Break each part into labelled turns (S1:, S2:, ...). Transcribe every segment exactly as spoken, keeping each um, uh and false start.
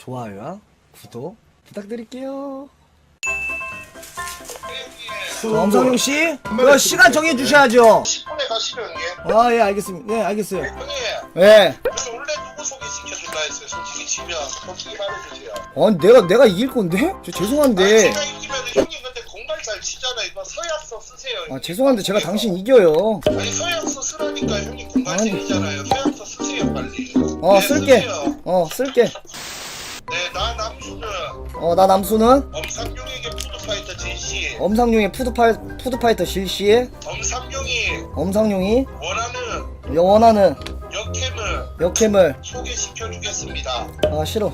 S1: 좋아요와 구독 부탁드릴게요. 엄상용 씨, 그 시간 정해 주셔야죠.
S2: 십 분에 가시죠 형님.
S1: 아, 예, 알겠습니다. 네, 알겠어요.
S2: 형님,
S1: 예.
S2: 그래서 원래 누구 소개시켜줄라 했어요. 솔직히 지면 솔직히 말해주세요.
S1: 아니, 내가 내가 이길 건데? 저 죄송한데.
S2: 아, 제가 이기면 형님 근데 공갈 잘 치잖아요. 이거 서약서 쓰세요.
S1: 아, 죄송한데 제가 당신 이겨요.
S2: 아니 서약서 쓰라니까 형님 공갈생이잖아요. 서약서 쓰세요 빨리.
S1: 어,
S2: 네,
S1: 쓸게.
S2: 쓰세요.
S1: 어, 쓸게.
S2: 네, 나 남수는
S1: 어, 나 남수는
S2: 엄삼룡에게 푸드파이터 진씨.
S1: 엄상용의 푸드파 푸드파이터 실시에
S2: 엄삼룡이
S1: 엄상용이
S2: 원하는
S1: 원하는
S2: 역캠을
S1: 역캠을
S2: 소개시켜주겠습니다.
S1: 아 싫어.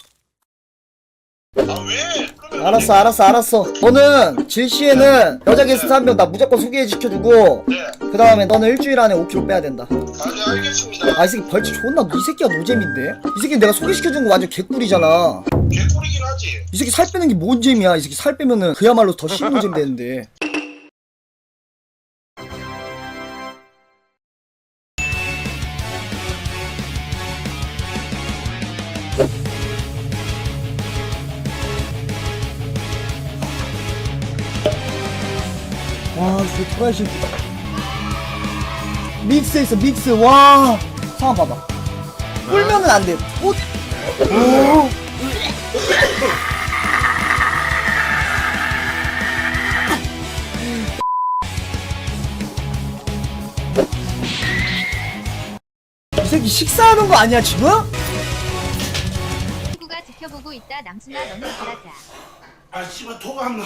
S2: 아 왜? 그러면
S1: 알았어, 알았어, 알았어. 너는 질시에는 여자 게스트 한 명 나 무조건 소개시켜주고,
S2: 네.
S1: 그 다음에 너는 일주일 안에 오 킬로그램 빼야 된다.
S2: 아, 네, 알겠습니다.
S1: 아, 이 새끼 벌칙 존나, 이 새끼가 노잼인데? 이 새끼 내가 소개시켜준 거 완전 개꿀이잖아.
S2: 개꿀이긴 하지.
S1: 이 새끼 살 빼는 게 뭔 재미야. 이 새끼 살 빼면은 그야말로 더 신노잼 되는데. 와, 저 토라이 새끼. 믹스 있어, 믹스. 와. 상황 봐봐. 울면은 안 돼. 오. 오. 이 새끼 식사하는 거 아니야, 지금?
S3: 친구가 지켜보고 있다. 남순아 너는 잘하자.
S2: 아 씨발 토가 안 나.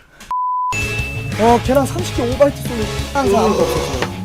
S1: 어, 계란 삼십 개 오바이트 쏘는 항상 아무도 없었어.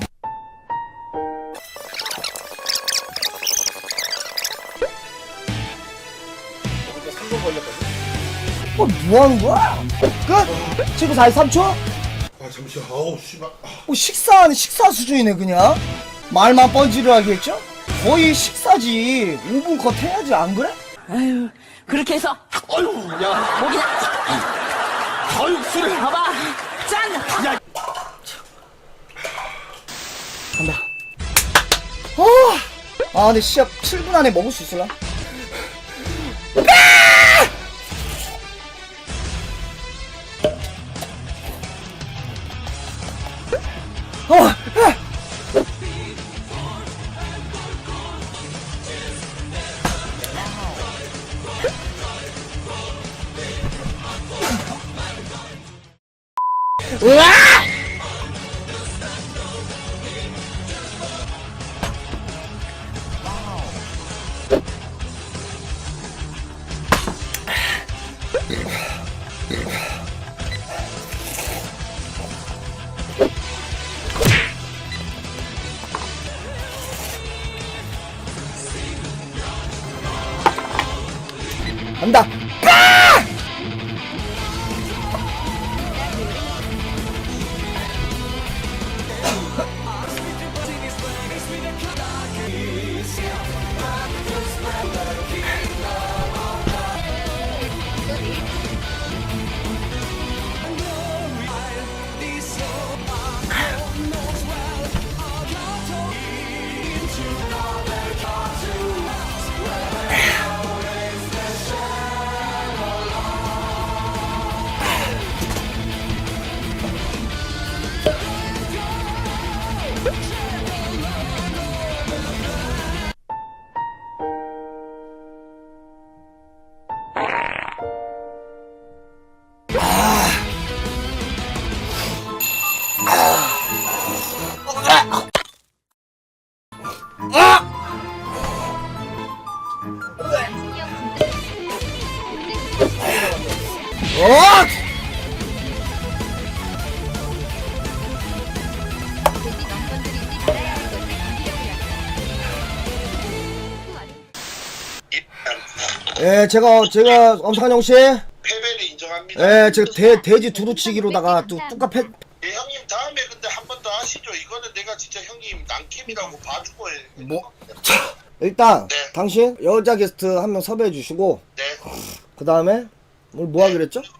S1: 어, 뭐 하는 거야? 끝! 지금 사십삼 초?
S2: 아 잠시만. 아우 씨발.
S1: 뭐 식사하는 식사 수준이네, 그냥. 말만 뻔지를 하겠죠? 거의 식사지. 오 분 컷 해야지, 안 그래?
S4: 아유, 그렇게 해서, 어휴, 야, 목이나, 어휴, 술을 봐봐, 짠! 야,
S1: 간다. 어! 아, 근데 시합 칠 분 안에 먹을 수 있을라? 어! 아! 으아! 간다. 어!
S3: 돼지 넌 건드리지 말아야 할 것을 건드려버렸다.
S1: 예, 제가, 제가, 엄상용 씨.
S2: 패배를 인정합니다.
S1: 예, 제가 돼, 돼지 두루치기로다가 또 뚜까 패,
S2: 예, 형님 다음에 근데 한 번 더 하시죠. 이거는 내가 진짜 형님 난캠이라고 봐주고 해.
S1: 뭐? 일단,
S2: 네.
S1: 당신 여자 게스트 한 명 섭외해 주시고,
S2: 네.
S1: 그 다음에, 오늘 뭐 하기로 했죠?